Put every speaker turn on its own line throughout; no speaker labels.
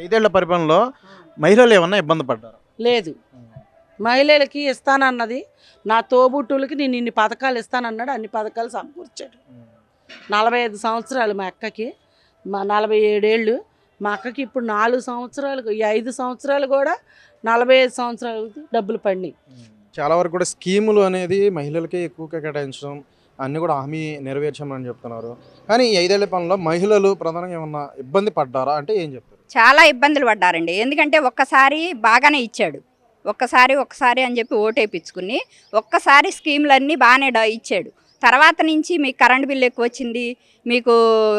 5 ఏళ్ల పరిపాలనలో మహిళలు ఏమన్నా ఇబ్బంది పడ్డారు?
లేదు. మహిళలకి ఇస్తానన్నది, నా తోబుట్టువులకి నేను ఇన్ని పథకాలు ఇస్తానన్నాడు. అన్ని పథకాలు సమకూర్చాడు. 45 సంవత్సరాలు మా అక్కకి, 47 ఏళ్ళు మా అక్కకి. ఇప్పుడు 4 సంవత్సరాలు, ఈ 5 సంవత్సరాలు కూడా 45 సంవత్సరాలకి డబ్బులు పడినాయి.
చాలా వరకు కూడా స్కీములు అనేది మహిళలకి ఎక్కువగా కేటాయించడం అన్నీ కూడా హామీ నెరవేర్చామని చెప్తున్నారు. కానీ ఈ 5 ఏళ్ల పాలనలో మహిళలు ప్రధానంగా ఏమన్నా ఇబ్బంది పడ్డారా అంటే ఏం చెప్తారు?
చాలా ఇబ్బందులు పడ్డారండి. ఎందుకంటే ఒక్కసారి బాగానే ఇచ్చాడు, ఒక్కసారి అని చెప్పి ఓటేపించుకుని ఒక్కసారి స్కీములన్నీ బాగానే ఇచ్చాడు. తర్వాత నుంచి మీకు కరెంట్ బిల్లు ఎక్కువ వచ్చింది, మీకు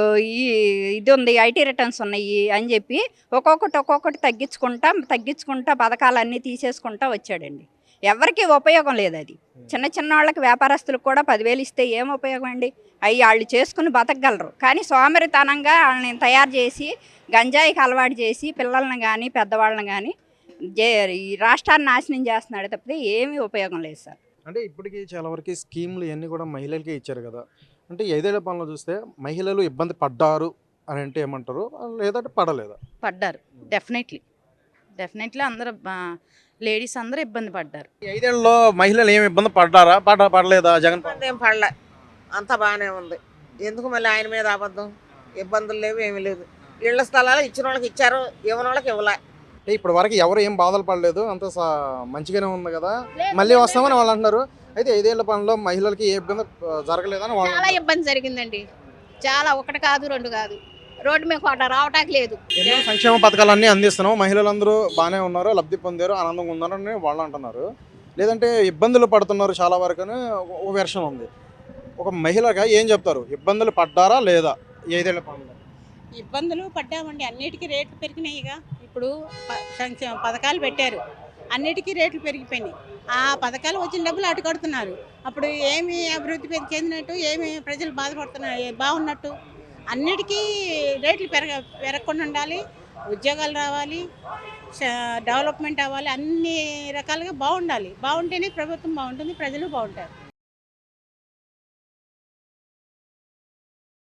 ఇది ఉంది, ఐటీ రిటర్న్స్ ఉన్నాయి అని చెప్పి ఒక్కొక్కటి తగ్గించుకుంటా పథకాలన్నీ తీసేసుకుంటా వచ్చాడండి. ఎవరికి ఉపయోగం లేదు అది. చిన్న వాళ్ళకి వ్యాపారస్తులకు కూడా 10,000 ఇస్తే ఏం ఉపయోగం అండి? అవి వాళ్ళు చేసుకుని బతకగలరు. కానీ సోమరితనంగా వాళ్ళని తయారు చేసి గంజాయికి అలవాటు చేసి పిల్లల్ని కానీ పెద్దవాళ్ళని కానీ ఈ రాష్ట్రాన్ని నాశనం చేస్తున్నాడు తప్పితే ఏమీ ఉపయోగం లేదు సార్.
అంటే ఇప్పటికీ చాలా వరకు స్కీములు ఇవన్నీ కూడా మహిళలకే ఇచ్చారు కదా. అంటే ఈ 5 ఏళ్ల పాలనలో చూస్తే మహిళలు ఇబ్బంది పడ్డారు అని అంటే ఏమంటారు, లేదంటే పడలేదా?
పడ్డారు. డెఫినెట్లీ అందరూ లేడీస్ అందరూ ఇబ్బంది పడ్డారు.
ఈ 5 ఏళ్లలో మహిళలు ఏమి ఇబ్బంది పడలేదా జగన్ పాలన?
ఏం పడలే, అంతా బాగానే ఉంది. ఎందుకు మళ్ళీ ఆయన మీద అబద్ధం? ఇబ్బందులు లేవు, ఏమీ లేదు. ఇళ్ల స్థలాలు ఇచ్చిన వాళ్ళకి ఇచ్చారు, ఇవ్వని వాళ్ళకి ఇవ్వలే.
ఇప్పుడు వరకు ఎవరు ఏం బాధలు పడలేదు, అంత మంచిగానే ఉంది కదా, మళ్ళీ వస్తామని వాళ్ళు అంటున్నారు. అయితే 5 ఏళ్ల పాలనలో మహిళలకి ఏ ఇబ్బంది జరగలేదని వాళ్ళు
చాలా ఇబ్బంది జరిగిందండి. చాలా, ఒకటి కాదు రెండు కాదు. రోడ్డు మీద రావటానికి లేదు.
ఎన్నో సంక్షేమ పథకాలన్నీ అందిస్తున్నాం, మహిళలందరూ బాగానే ఉన్నారు, లబ్ధి పొందారు, ఆనందంగా ఉన్నారని వాళ్ళు అంటున్నారు. లేదంటే ఇబ్బందులు పడుతున్నారు చాలా వరకు అని ఒక వెర్షన్ ఉంది. ఒక మహిళగా ఏం చెప్తారు, ఇబ్బందులు పడ్డారా లేదా ఈ 5 ఏళ్ల పాలనలో?
ఇబ్బందులు పడ్డామండి. అన్నిటికీ రేట్లు పెరిగినాయిగా. ఇప్పుడు సంక్షేమ పథకాలు పెట్టారు, అన్నిటికీ రేట్లు పెరిగిపోయినాయి. ఆ పథకాలు వచ్చిన డబ్బులు అటు కడుతున్నారు. అప్పుడు ఏమి అభివృద్ధి చెందినట్టు, ఏమి ప్రజలు బాధపడుతున్నారు బాగున్నట్టు? అన్నిటికీ రేట్లు పెరగకుండా ఉండాలి, ఉద్యోగాలు రావాలి, డెవలప్మెంట్ అవ్వాలి, అన్ని రకాలుగా బాగుండాలి. బాగుంటేనే ప్రభుత్వం బాగుంటుంది, ప్రజలు బాగుంటారు.